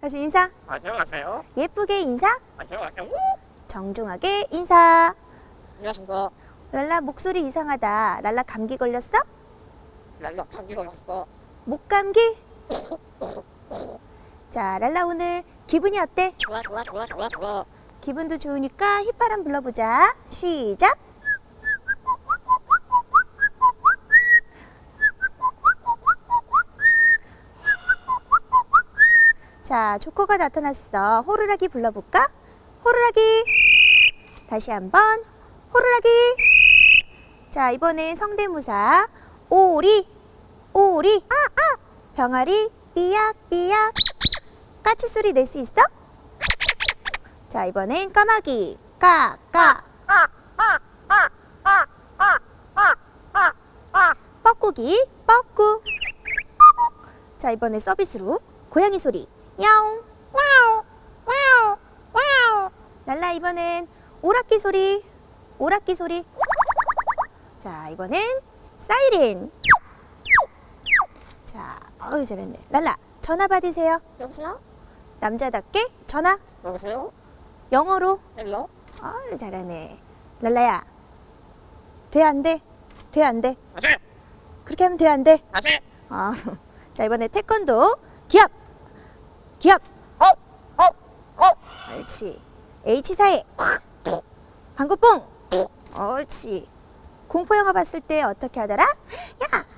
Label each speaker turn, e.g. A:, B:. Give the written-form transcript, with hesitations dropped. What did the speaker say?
A: 다시 인사.
B: 안녕하세요.
A: 예쁘게 인사.
B: 안녕하세요.
A: 정중하게 인사.
B: 안녕하십니까.
A: 랄라 목소리 이상하다. 랄라 감기 걸렸어?
B: 랄라 감기 걸렸어.
A: 목감기? 자, 랄라 오늘 기분이 어때?
B: 좋아.
A: 기분도 좋으니까 휘파람 불러보자. 시작. 자, 조커가 나타났어. 호루라기 불러볼까? 호루라기. 다시 한번 호루라기. 자, 이번엔 성대모사. 오리 오리 병아리 삐약삐약. 까치 소리 낼 수 있어? 자, 이번엔 까마귀 까까. 뻐꾸기 뻐꾸. 자, 이번에 서비스로 고양이 소리 야옹. 랄라 이번엔 오락기 소리 오락기 소리. 자, 이번엔 사이렌. 자, 어우 잘했네. 랄라 전화 받으세요.
B: 여보세요?
A: 남자답게 전화
B: 여보세요?
A: 영어로.
B: 헬로?
A: 어우 잘하네. 랄라야 돼 안 돼? 돼 안 돼?
B: 아세!
A: 그렇게 하면 돼 안 돼?
B: 아세!
A: 자, 이번에 태권도 기합 기합. 옳지. H사에 방구뽕. 옳지. 공포영화 봤을 때 어떻게 하더라? 야